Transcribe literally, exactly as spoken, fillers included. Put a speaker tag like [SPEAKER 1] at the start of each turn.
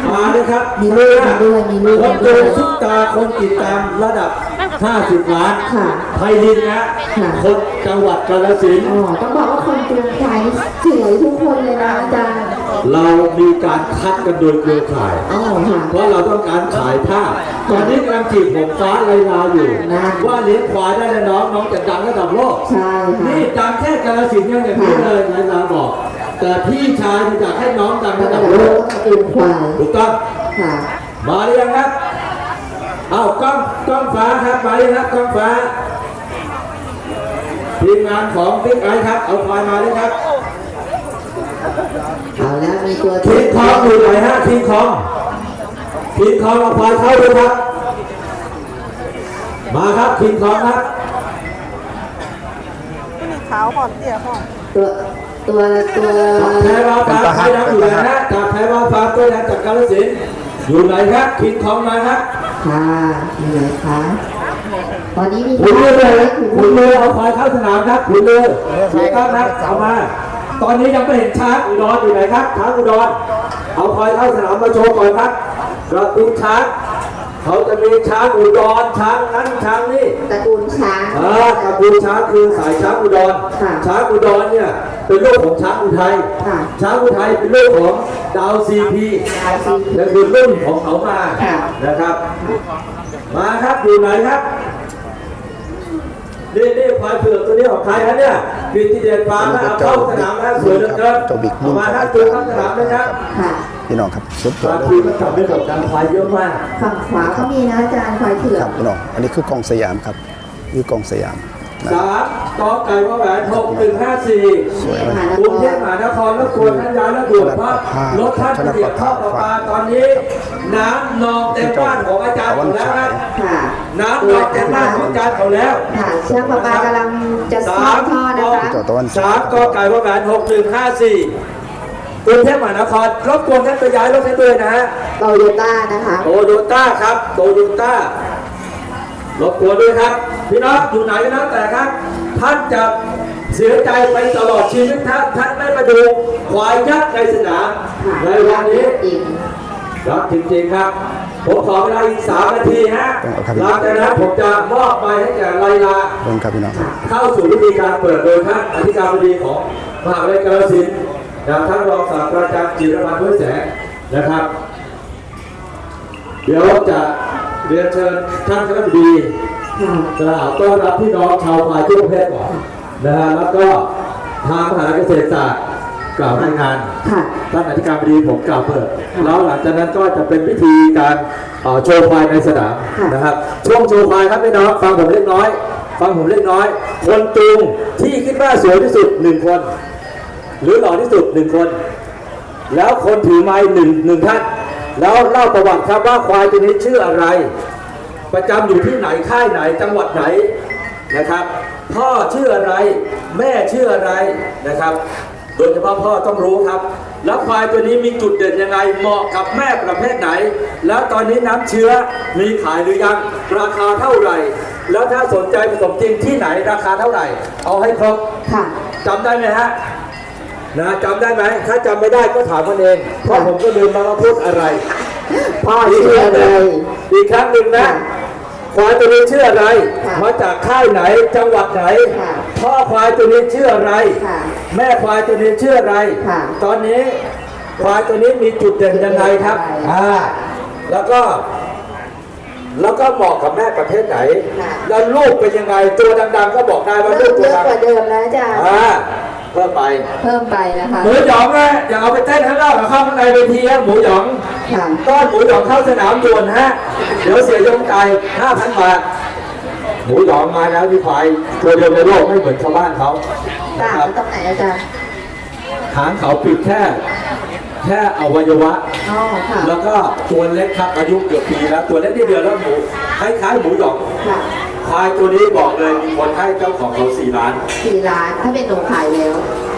[SPEAKER 1] มาเลยครับ
[SPEAKER 2] มีลูกมาด้วยมีลูก
[SPEAKER 1] ค
[SPEAKER 2] มาน
[SPEAKER 1] ดู
[SPEAKER 2] ด้วย
[SPEAKER 1] ซุปตาคนติดตามระดับห้าสิบล้าน
[SPEAKER 2] ค่ะ
[SPEAKER 1] ไทยดินนะ
[SPEAKER 2] ค่ะ
[SPEAKER 1] คนจังหวัดกาฬสินธุ์
[SPEAKER 2] อ๋อต้องบอกว่าคนจูงควายสวยทุกคนเลยนะอาจารย์
[SPEAKER 1] เรามีการคัดกันโดยเครือข่าย
[SPEAKER 2] อ๋อค่ะ
[SPEAKER 1] เพราะเราต้องการขายภาพตอนนี้กำลังจีบผมฟ้าไรลาอยู่
[SPEAKER 2] นะ
[SPEAKER 1] ว่าเลี้ยงควายได้แล้วน้องน้องจะดังระดับโลก
[SPEAKER 2] ใช่ค่ะ
[SPEAKER 1] นี่ดังแค่กาฬสินธุ์ยังอย่างนี้เลยไรลาบอก แต่พี่ชายอยากให้น้องดังระ
[SPEAKER 2] ระ
[SPEAKER 1] ดั
[SPEAKER 2] ดั
[SPEAKER 1] บบ โล
[SPEAKER 2] โล
[SPEAKER 1] ก
[SPEAKER 2] กต้องจูงควาย
[SPEAKER 1] ถูกต้อง
[SPEAKER 2] ค่ะ
[SPEAKER 1] มาหรือยังครับเอากล้องกล้องฟ้าครับมาเลยครับกล้องฟ้าทีมงานของพิกไอครับเอาควายมาเลยครับ
[SPEAKER 2] เอาแล้วมีตัว
[SPEAKER 1] ทีมคองอยู่ไหนฮะทีมคองทีมคองเอาควายเข้าเลยครับมาครับทีมคองครับ
[SPEAKER 3] ขาวก่อนเตี้ยก่อน
[SPEAKER 2] ตัวตัวตัว
[SPEAKER 1] แพ้วาฟ้าไปน้ำอยู่ไหนฮะจากแพ้วาฟ้าตัวแทนจากกาฬสินธุ์อยู่ไหนครับทีมคองมาครับ
[SPEAKER 2] ค่ะมีไหนคะตอนนี้มี
[SPEAKER 1] ขุนเรือ
[SPEAKER 2] เล
[SPEAKER 1] เลย
[SPEAKER 2] ย
[SPEAKER 1] ขุนเรือเอาควายเข้าสนามครับขุนเรือถูกต้องครับเอามา ตอนนี้ยังไม่เห็นช้างอุดรอยู่ไหนครับช้างอุดรเอาควายเข้าสนามมาโชว์ก่อนครับกระตุ้นช้างเขาจะมีช้างอุดรช้างนั้นช้างนี่
[SPEAKER 2] ตระกูลช้าง
[SPEAKER 1] อ่ากระตุ้นช้างคือสายช้างอุดร
[SPEAKER 2] ค่ะ
[SPEAKER 1] ช้างอุดรเนี่ยเป็นลูกของช้างอุทัย
[SPEAKER 2] ค่ะ
[SPEAKER 1] ช้างอุทัยเป็นลูกของดาวซีพี
[SPEAKER 2] ดาวซีพี
[SPEAKER 1] นั่นคือรุ่นของเขามา
[SPEAKER 2] ค่ะ
[SPEAKER 1] นะครับ มาครับอยู่ไหนครับนี่นี่ควายเผือกตัวนี้ของใครครับเนี่ยกิติเดชฟาร์มนะเอาเข้าสนามนะสวยเหลือเกิน
[SPEAKER 4] เจ้าบิ๊กรุ่น
[SPEAKER 1] มาครับตัวเข้าสนามเลยครับ
[SPEAKER 2] ค่ะ
[SPEAKER 4] พี่น้องครับสุดยอ
[SPEAKER 1] บา
[SPEAKER 4] ด
[SPEAKER 1] ง
[SPEAKER 4] เล
[SPEAKER 1] ที
[SPEAKER 4] ย
[SPEAKER 1] มันทำให้กับการควายเยอะมาก
[SPEAKER 2] ฝั่งขวาก็มีนะอาจารย์ควายเผือ
[SPEAKER 4] ค
[SPEAKER 2] ก
[SPEAKER 4] รับพี่น้องอันนี้คือกองสยามครับนี่กองสยามนะ
[SPEAKER 1] สามกอไก่วอแหวนหกหนึ่งห้าสี่
[SPEAKER 4] สวยมาก
[SPEAKER 1] กรุงเทพมหานครแล้วควรท่านย้ายแล้วด่วนเพราะรถท่านเสียบท่อประปาตอนนี้ น้ำนองเต็มบ้านของอาจารย์หมดแล้วครับ
[SPEAKER 2] ค่ะ
[SPEAKER 1] น้ำนองเต็มบ้านของอาจารย์เขาแล้ว
[SPEAKER 2] ค่ะเชือกประปากำลังจะซ่อมท่อนะคะ
[SPEAKER 4] เจ้าตะวัน
[SPEAKER 1] สามกอไก่วอแหวนหกหนึ่งห้าสี่กรุงเทพมหานครรบกวนท่านไปย้ายรถให้ด้วยนะฮะ
[SPEAKER 2] โตโยต้านะคะ
[SPEAKER 1] โตโยต้าครับโตโยต้ารบกวนด้วยครับพี่น้องอยู่ไหนก็แล้วแต่ครับ ท่านจะเสียใจไปตลอดชีวิตท่านท่านไม่มาดูควายยักษ์ในสนามในวันนี้
[SPEAKER 2] จริง
[SPEAKER 1] ครับจริงๆครับผมขอเวลาอีกสามนาทีฮะหลังจากนั้นผมจะมอบไปให้แก่ไลลา
[SPEAKER 4] เบิ่งครับพี่น้อง
[SPEAKER 1] เข้าสู่วิธีการเปิดโดยท่านอธิการบดีของมหาวิทยาลัยกาฬสินธุ์นะครับท่านรองศาสตราจารย์จิรพันธ์ห้วยแสงนะครับ เดี๋ยวจะเรียนเชิญท่านคณะบดี
[SPEAKER 2] ค่ะ
[SPEAKER 1] กล่าวต้อนรับพี่น้องชาวควายทั่วประเทศก่อนนะฮะแล้วก็ทางมหาวิทยาลัยเกษตรศาสตร์กล่าวรายงาน
[SPEAKER 2] ค่ะ
[SPEAKER 1] ท่านอธิการบดีผมกล่าวเปิดแล้วหลังจากนั้นก็จะเป็นพิธีการเอ่อโชว์ควายในสนามนะครับช่วงโชว์ควายครับพี่น้องฟังผมเล็กน้อย ฟังผมเล็กน้อย คนจูงที่คิดว่าสวยที่สุดหนึ่งคน หรือหล่อที่สุดหนึ่งคน แล้วคนถือไม้หนึ่งหนึ่งท่านแล้วเล่าประวัติครับว่าควายตัวนี้ชื่ออะไร ประจำอยู่ที่ไหนค่ายไหนจังหวัดไหนนะครับ พ่อชื่ออะไร แม่ชื่ออะไรนะครับ โดยเฉพาะพ่อต้องรู้ครับ แล้วควายตัวนี้มีจุดเด่นยังไงเหมาะกับแม่ประเภทไหน แล้วตอนนี้น้ำเชื้อมีขายหรือยังราคาเท่าไหร่ แล้วถ้าสนใจผสมจริงที่ไหนราคาเท่าไหร่ เอาให้ครบ
[SPEAKER 2] ค่ะ
[SPEAKER 1] จำได้ไหมฮะนะจำได้ไหมถ้าจำไม่ได้ก็ถามมันเองเพราะผมก็ลืมมาว่าพูดอะไร
[SPEAKER 2] พ่อชื่ออะไร
[SPEAKER 1] อีกครั้งหนึ่งนะ
[SPEAKER 2] ค่ะ
[SPEAKER 1] ควายตัวนี้ชื่ออะไร
[SPEAKER 2] ค่ะ
[SPEAKER 1] มาจากค่ายไหนจังหวัดไหน
[SPEAKER 2] ค่ะ
[SPEAKER 1] พ่อควายตัวนี้ชื่ออะไร
[SPEAKER 2] ค่ะ
[SPEAKER 1] แม่ควายตัวนี้ชื่ออะไร
[SPEAKER 2] ค่ะ
[SPEAKER 1] ตอนนี้ควายตัวนี้มีจุดเด่นยังไงครับ
[SPEAKER 2] ใช่
[SPEAKER 1] อ่าแล้วก็ แล้วก็เหมาะกับแม่ประเภทไหน
[SPEAKER 2] ค่ะ
[SPEAKER 1] แล้วลูกเป็นยังไงตัวดังๆก็บอกได้ว่าลู
[SPEAKER 2] เริ่
[SPEAKER 1] ก
[SPEAKER 2] ม
[SPEAKER 1] ตั
[SPEAKER 2] เยว อะ
[SPEAKER 1] ดัง
[SPEAKER 2] กว่าเดิมแล้วอาจารย์
[SPEAKER 1] อ่าเพิ่มไป
[SPEAKER 2] เพิ่มไปนะคะ
[SPEAKER 1] หมูหยองนะอย่าเอาไปเต้นข้างนอกกับเข้าข้างในเวทีฮะหมูหยอง
[SPEAKER 2] ค่ะ
[SPEAKER 1] ต้อนหมูหยองเข้าสนามด่วนฮะเดี๋ยวเสียยงใจห้าพันบาทหมูหยองมาแล้วที่ฝ่ายตัวเดียวในโลกไม่เหมือนชาวบ้านเขา
[SPEAKER 2] ต่าง
[SPEAKER 1] นะครับ
[SPEAKER 2] กันตรงไหนอาจารย์
[SPEAKER 1] หางเขาปิดแค่แค่อวัยวะ
[SPEAKER 2] อ๋อ ค่ะ
[SPEAKER 1] แล้วก็ตัวเล็กครับอายุเกือบปีแล้วตัวเล็กที่เดือนแล้วหมูคล้ายๆหมูหยอง
[SPEAKER 2] ค่ะ
[SPEAKER 1] ควายตัวนี้บอกเลยมีคนให้เจ้าของเขาสี่ล้าน
[SPEAKER 2] สี่ล้าน ถ้าเป็นหนูขายแล้ว